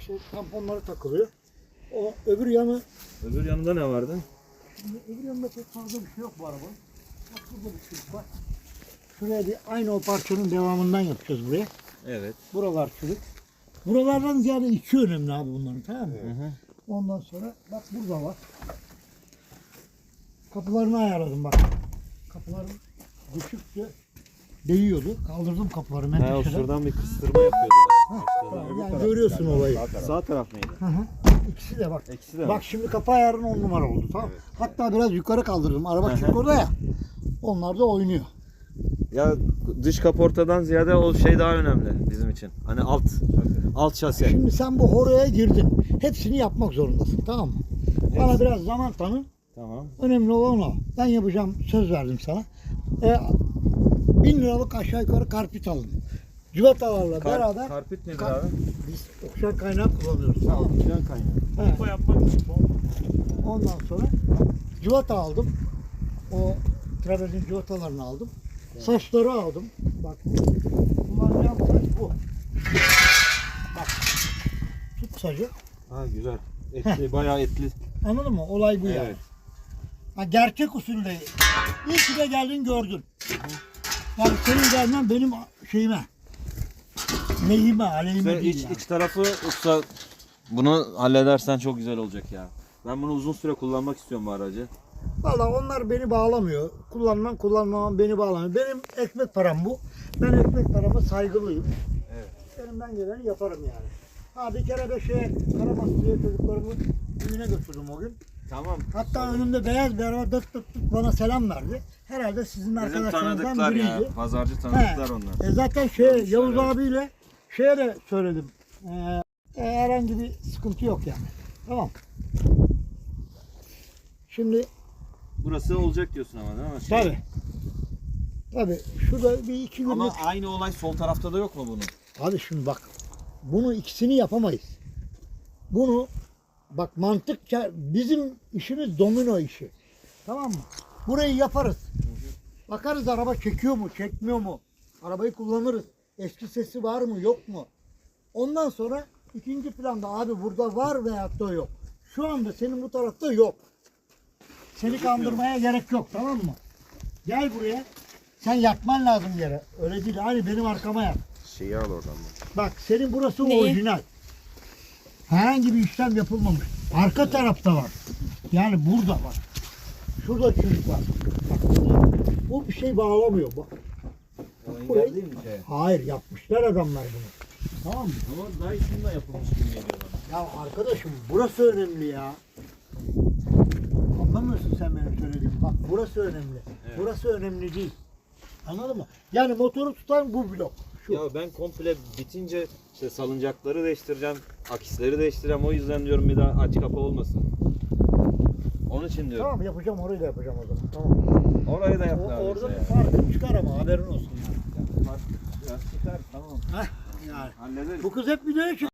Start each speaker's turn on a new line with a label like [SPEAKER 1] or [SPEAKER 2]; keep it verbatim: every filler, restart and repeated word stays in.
[SPEAKER 1] işte tamponları takılıyor. O öbür yanı...
[SPEAKER 2] Öbür yanında ne vardı?
[SPEAKER 1] Şimdi öbür yanında pek fazla bir şey yok bu arabanın. Bak burada bir çürük var. Şuraya bir aynı o parçanın devamından yapacağız buraya.
[SPEAKER 2] Evet.
[SPEAKER 1] Buralar çürük. Buralardan ziyade iki önemli abi bunların, tamam mı?
[SPEAKER 2] Hı hı.
[SPEAKER 1] Ondan sonra bak burada var. Kapılarını ayarladım bak. Kapıların düşükçe değiyordu. Kaldırdım kapıları
[SPEAKER 2] Ha, o
[SPEAKER 1] menteşeden.
[SPEAKER 2] şuradan bir kıstırma yapıyordu.
[SPEAKER 1] Tamam, yani görüyorsun olayı.
[SPEAKER 2] Sağ taraf mıydı?
[SPEAKER 1] Hı hı. İkisi de bak.
[SPEAKER 2] İkisi de
[SPEAKER 1] Bak
[SPEAKER 2] var.
[SPEAKER 1] şimdi kapı ayarın on numara oldu, tamam.
[SPEAKER 2] Evet.
[SPEAKER 1] Hatta biraz yukarı kaldırdım. Araba
[SPEAKER 2] Hı hı.
[SPEAKER 1] çünkü orada ya. Onlar da oynuyor.
[SPEAKER 2] Ya dış kaportadan ziyade o şey daha önemli bizim için. Hani alt alt şase.
[SPEAKER 1] Şimdi sen bu horoya girdin. Hepsini yapmak zorundasın, tamam mı? Bana
[SPEAKER 2] Hepsi.
[SPEAKER 1] biraz zaman tanı.
[SPEAKER 2] Tamam.
[SPEAKER 1] Önemli olan o. Ben yapacağım, söz verdim sana. E, bin liralık aşağı yukarı karpit aldım. Civatalarla
[SPEAKER 2] Kar,
[SPEAKER 1] beraber
[SPEAKER 2] karpit nedir
[SPEAKER 1] Kar-
[SPEAKER 2] abi?
[SPEAKER 1] biz okşan kaynağı kullanıyoruz. Tamam mı?
[SPEAKER 2] Can kaynağı.
[SPEAKER 1] Evet.
[SPEAKER 3] Bu yapmak için
[SPEAKER 1] Ondan sonra civata aldım. O travertin civatalarını aldım. Saçları aldım. Bak kullanacağım saç bu. Bak tut sacı.
[SPEAKER 2] Ha güzel. Etli, bayağı etli.
[SPEAKER 1] Anladın mı? Olay bu yani.
[SPEAKER 2] Evet.
[SPEAKER 1] Ha, gerçek usulde. İyi ki de geldin gördün. Yani senin gelmen benim şeyime. Lehime, aleyhime
[SPEAKER 2] Sen
[SPEAKER 1] değil
[SPEAKER 2] iç,
[SPEAKER 1] yani.
[SPEAKER 2] iç tarafı usta bunu halledersen çok güzel olacak ya. Ben bunu uzun süre kullanmak istiyorum bu aracı.
[SPEAKER 1] Valla onlar beni bağlamıyor. Kullanmam kullanmamam beni bağlamıyor. Benim ekmek param bu. Ben ekmek parama saygılıyım.
[SPEAKER 2] Evet.
[SPEAKER 1] Elimden geleni yaparım yani. Ha bir kere de şey Karabastı'ya çocuklarımı düğüne götürdüm o gün.
[SPEAKER 2] Tamam.
[SPEAKER 1] Hatta önümde beyaz bir araba dıt dıt dıt bana selam verdi. Herhalde sizin
[SPEAKER 2] Bizim
[SPEAKER 1] arkadaşlarınızdan
[SPEAKER 2] tanıdıklar
[SPEAKER 1] biriydi.
[SPEAKER 2] ya. Pazarcı tanıdıklar
[SPEAKER 1] He.
[SPEAKER 2] onlar.
[SPEAKER 1] E zaten şey
[SPEAKER 2] Görmüşler,
[SPEAKER 1] Yavuz
[SPEAKER 2] evet.
[SPEAKER 1] abiyle şeye de söyledim. Ee, e, herhangi bir sıkıntı yok yani. Tamam. Şimdi
[SPEAKER 2] Burası olacak diyorsun ama değil mi?
[SPEAKER 1] tabi. Tabi şurada bir iki günlük.
[SPEAKER 2] Ama aynı olay sol tarafta da yok mu bunun?
[SPEAKER 1] Abi şimdi bak. Bunu ikisini yapamayız. Bunu bak mantıkça bizim işimiz domino işi. Tamam mı? Burayı yaparız. Bakarız araba çekiyor mu, çekmiyor mu? Arabayı kullanırız. Eski sesi var mı, yok mu? Ondan sonra ikinci planda abi burada var veyahut da yok. Şu anda senin bu tarafta yok. Seni kandırmaya gerek yok, tamam mı? Gel buraya. Sen yatman lazım yere. Öyle değil. Hani benim arkama yat.
[SPEAKER 2] Şeyi al oradan.
[SPEAKER 1] Bak senin burası
[SPEAKER 3] Neyi?
[SPEAKER 1] orijinal. Herhangi bir işlem yapılmamış. Arka tarafta var. Yani burada bak. Şurada çocuk var. Bak burada. Bu bir şey bağlamıyor. Bak.
[SPEAKER 2] O
[SPEAKER 1] Burayı-
[SPEAKER 2] engel değil mi şey?
[SPEAKER 1] Hayır yapmışlar adamlar bunu. Tamam mı?
[SPEAKER 2] Ama daha içinde yapılmış gibi geliyor bana.
[SPEAKER 1] Ya arkadaşım burası önemli ya. Anlamıyorsun sen benim söylediğimi. Bak burası önemli.
[SPEAKER 2] Evet.
[SPEAKER 1] Burası önemli değil. Anladın mı? Yani motoru tutan bu blok. Şu.
[SPEAKER 2] Ya ben komple bitince işte salıncakları değiştireceğim, akisleri değiştireceğim. O yüzden diyorum bir daha aç kapa olmasın. Onun için diyorum.
[SPEAKER 1] Tamam yapacağım, orayı da yapacağım o zaman. Tamam.
[SPEAKER 2] Orayı da yap.
[SPEAKER 1] O,
[SPEAKER 2] abi
[SPEAKER 1] orada
[SPEAKER 2] bize
[SPEAKER 1] bir farkı çıkar ama haberin olsun yani.
[SPEAKER 2] ya. Fark- ya çıkar, tamam.
[SPEAKER 1] Heh, yani.
[SPEAKER 2] Hallederiz.
[SPEAKER 1] Bu kız hep videoya çıkıyor.